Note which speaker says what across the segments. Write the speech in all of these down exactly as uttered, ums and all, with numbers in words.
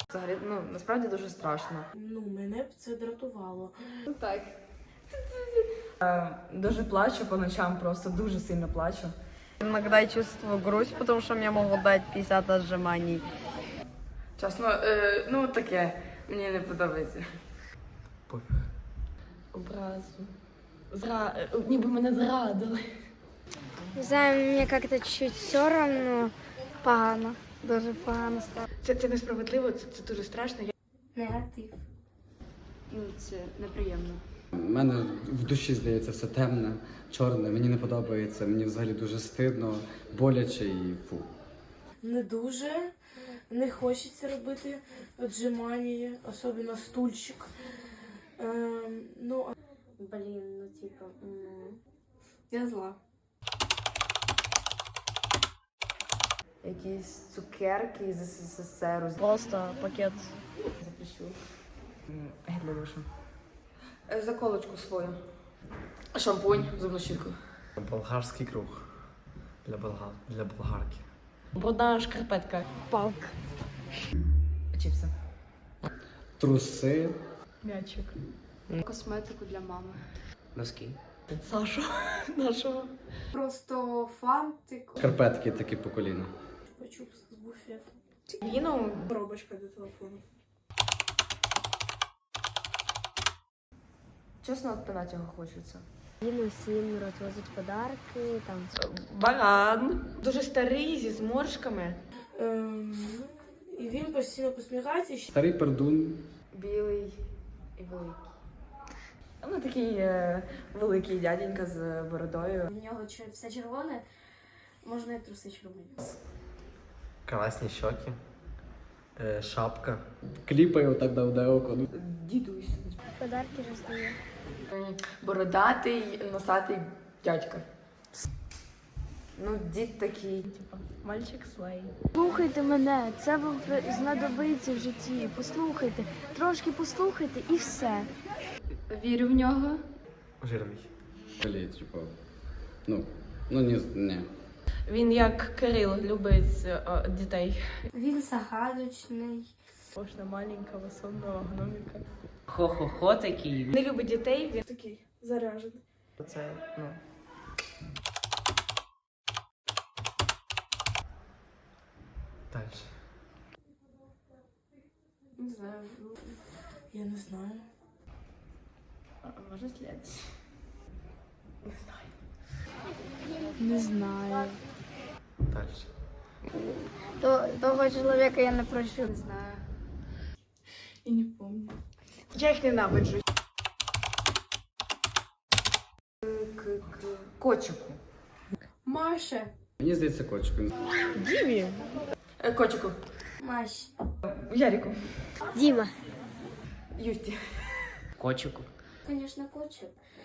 Speaker 1: Взагалі, ну, насправді дуже страшно.
Speaker 2: Ну, мене б це дратувало.
Speaker 1: Ну так. Е, Дуже плачу по ночам, просто дуже сильно плачу.
Speaker 3: Иногда чувствую грусть, потому что мне могут дать пятьдесят отжиманий.
Speaker 1: Чесно, е, ну таке, мені не подобається.
Speaker 4: Пофіг.
Speaker 5: Образу. Зра... Ніби мене зрадили.
Speaker 6: Не знаю, мені як-то чуть все равно погано. Дуже погано стало.
Speaker 5: Це, це несправедливо, це, це дуже страшно.
Speaker 6: Негатив.
Speaker 1: Ну, це неприємно.
Speaker 7: У мене в душі, здається, все темне, чорне, мені не подобається, мені взагалі дуже стидно, боляче і фу.
Speaker 2: Не дуже. Не хочеться робити отжимання, особливо стульчик. Ем, ну, а-
Speaker 6: Блін, ну типа, м, я зла.
Speaker 1: Якісь цукерки з СССР.
Speaker 3: Просто пакет.
Speaker 1: Запрещу. Гель для душу. Е, Заколочку свою. Шампунь, зубну щітку.
Speaker 4: Болгарський круг. Для, болгар... для болгарки.
Speaker 5: Брудна шкарпетка.
Speaker 3: Палка.
Speaker 1: Чіпси.
Speaker 7: Труси,
Speaker 5: М'ячик.
Speaker 1: Косметику для мами.
Speaker 4: Носки.
Speaker 5: Сашу нашого.
Speaker 6: Просто фантик.
Speaker 7: шкарпетки такі по коліна.
Speaker 2: чупа-чупс з буфету.
Speaker 5: Віно.
Speaker 2: Коробочка для телефону.
Speaker 1: Чесно, от пинати його хочеться.
Speaker 6: Він усім розвозить подарки, там.
Speaker 5: Баран. Дуже старий, зі зморшками.
Speaker 2: Ем, і він постійно посміхається. і ще-
Speaker 7: Старий пердун,
Speaker 1: Білий і великий. Ну, такий е, великий дяденька з бородою.
Speaker 6: В нього чер- все червоне, можна і труси червоні.
Speaker 4: Красні щоки. Е, шапка.
Speaker 7: кліпає отак давде око. Ну,
Speaker 1: Дідусь.
Speaker 6: Подарки роздає.
Speaker 1: М, Бородатий, носатий дядька. Ну, дід такий.
Speaker 5: Типа, мальчик слей.
Speaker 6: Слухайте мене, це вам знадобиться в житті. Послухайте, трошки послухайте і все.
Speaker 1: Вірю в нього.
Speaker 4: Жирний.
Speaker 7: блін, типу, ну, ну ні, ні.
Speaker 5: Він як Кирил любить е, дітей.
Speaker 6: Він загадочний.
Speaker 5: Можна маленького сонного гноміка.
Speaker 3: Хо-хо-хо такий.
Speaker 5: Не любить дітей, він
Speaker 2: Такий заряжений.
Speaker 1: Це, ну.
Speaker 4: Дальше.
Speaker 6: Не знаю.
Speaker 2: Я не знаю.
Speaker 1: А, може слід.
Speaker 5: не знаю.
Speaker 6: Не знаю.
Speaker 4: Дальше.
Speaker 6: То, того чоловіка я не прощу.
Speaker 1: Не знаю.
Speaker 5: І не пам'ятаю. Я їх ненавиджу.
Speaker 1: К-к-к. Кочику.
Speaker 2: Маша.
Speaker 7: Мені здається, кочку.
Speaker 5: Дімі.
Speaker 1: Е, Кочику.
Speaker 6: Маш.
Speaker 1: Ярику.
Speaker 6: Діма.
Speaker 1: Юсті.
Speaker 3: Кочику.
Speaker 6: Звісно, кочик.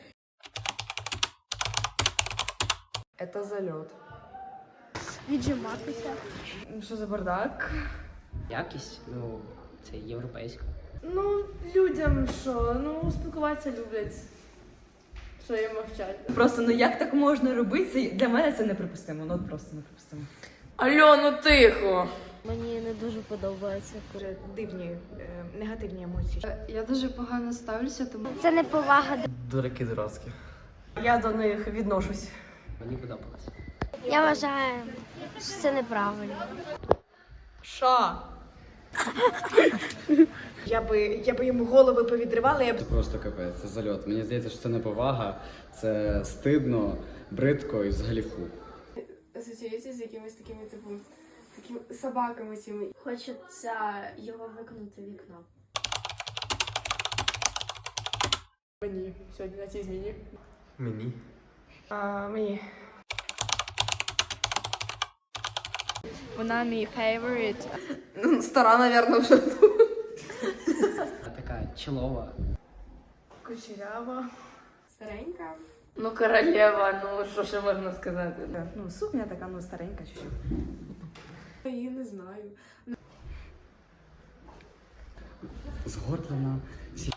Speaker 1: Это зальот.
Speaker 6: Віджиматися.
Speaker 1: Ну, що за бардак?
Speaker 3: Якість, ну, це європейська.
Speaker 1: Ну, людям що? Ну, спілкуватися люблять. Що їм мовчать. Просто, ну як так можна робити? Для мене це неприпустимо. Ну, от просто неприпустимо. Алло, ну тихо!
Speaker 6: Мені не дуже подобається.
Speaker 5: Дуже дивні, е, негативні емоції.
Speaker 1: Я дуже погано ставлюся, тому...
Speaker 6: Це не повага.
Speaker 4: Дураки дурацькі.
Speaker 5: Я до них відношусь.
Speaker 3: Мені подобалось.
Speaker 6: Я вважаю, що це неправильно.
Speaker 5: Що? Я би, я би йому голови повідривала, я б...
Speaker 7: Це просто капець, це зальот. Мені здається, що це неповага, це стидно, бридко і взагалі фу.
Speaker 2: Асоціюється з якимись такими, типу, такими собаками цими.
Speaker 6: Хочеться його викинути в вікно.
Speaker 1: Мені сьогодні на цій зміні.
Speaker 4: Мені.
Speaker 5: А, мені.
Speaker 3: Вона мій фейворит.
Speaker 1: Ну, стара, напевно, вже тут.
Speaker 3: Така чолова.
Speaker 1: Кучерява.
Speaker 2: Старенька.
Speaker 1: Ну, королева, ну, що ще можна сказати? Ну, сукня така, ну, старенька чуть-чуть.
Speaker 2: Я її не знаю.
Speaker 7: Згорблена, всі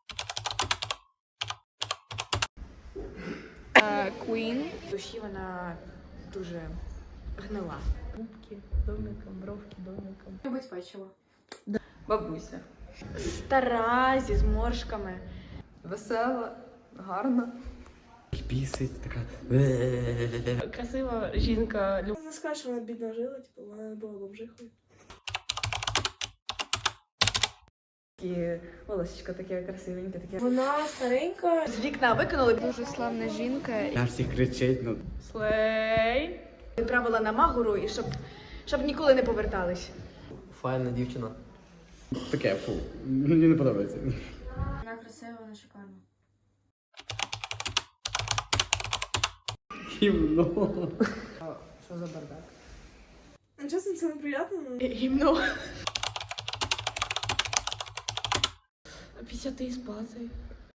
Speaker 5: Queen. В душі вона дуже гнила. Губки домиком, бровки домиком.
Speaker 2: Любить печиво.
Speaker 1: Бабуся.
Speaker 5: Стара, зі зморшками.
Speaker 1: Весела, гарна.
Speaker 7: Бісить, така.
Speaker 5: Красива жінка.
Speaker 2: Не скажеш, що вона бідно жила, типу, вона була бомжихою.
Speaker 1: Такі волосечко таке красивеньке, таке.
Speaker 2: Вона старенька.
Speaker 5: З вікна викинули.
Speaker 6: Дуже славна жінка.
Speaker 7: На всіх кричить, ну.
Speaker 5: Слей. Відправила на Магуру, і щоб, щоб ніколи не повертались.
Speaker 4: Файна дівчина.
Speaker 7: Таке, фу. Мені не подобається.
Speaker 6: Вона красива, вона шикарна.
Speaker 7: Гівно.
Speaker 1: Що за бардак?
Speaker 2: Ну, чесно, це неприємно. ну.
Speaker 5: Гімно. п'ятдесят із базою.